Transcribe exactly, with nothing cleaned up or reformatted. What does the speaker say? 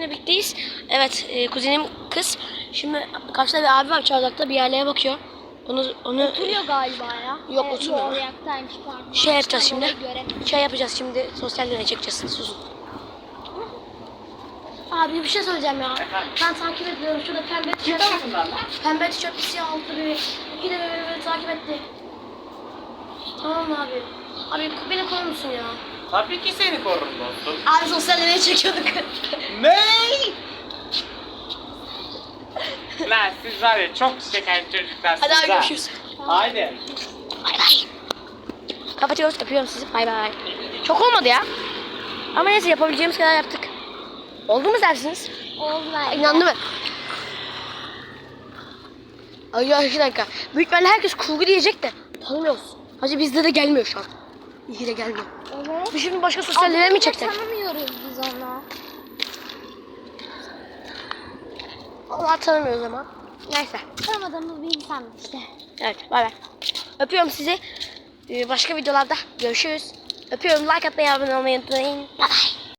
kuzenimle birlikteyiz. Evet, e, kuzenim kız. Şimdi karşıda bir abi var çardakta bir yerlere bakıyor. Onu onu Oturuyor galiba ya. Yok, Evet, oturmuyor. Yok ayaktaymış pardon. şey yapacağız şimdi. Göremedim. Şey yapacağız şimdi. Sosyal deney çekeceğiz. Susun. Abi bir şey söyleyeceğim ya. Ben takip ediyorum. Şurada pembe tişört. Pembe tişört bir siyah altı bir. İki de beni böyle takip etti. Tamam mı abi? Abi beni korur musun ya? Tabii ki seni korurum dostum. Abi sosyal deney çekiyorduk. Ne? Lan siz var ya çok şeker çocuklar. Hadi abi siz ha. görüşürüz. Haydi. Bay bay. Kapatıyoruz. Öpüyorum sizi. Bay bay. Çok olmadı ya. Ama neyse yapabileceğimiz kadar yaptık. Oldu mu dersiniz? Oldu bence. İnandı mı? Ay ya iki dakika. Büyük ihtimalle herkes kurgu diyecek de tanımıyoruz. Hacı bizde de gelmiyor şu an. İyi de gelmiyor. Evet. Biz şimdi başka sosyal deney mi çekecek? Tanımıyoruz biz onu. Allah tanımıyoruz ama. Neyse. Tanımadığımız bir insan işte. Evet bay bay. Öpüyorum sizi. Ee, Başka videolarda görüşürüz. Öpüyorum. Like atmayı, abone olmayı unutmayın. Bay bay.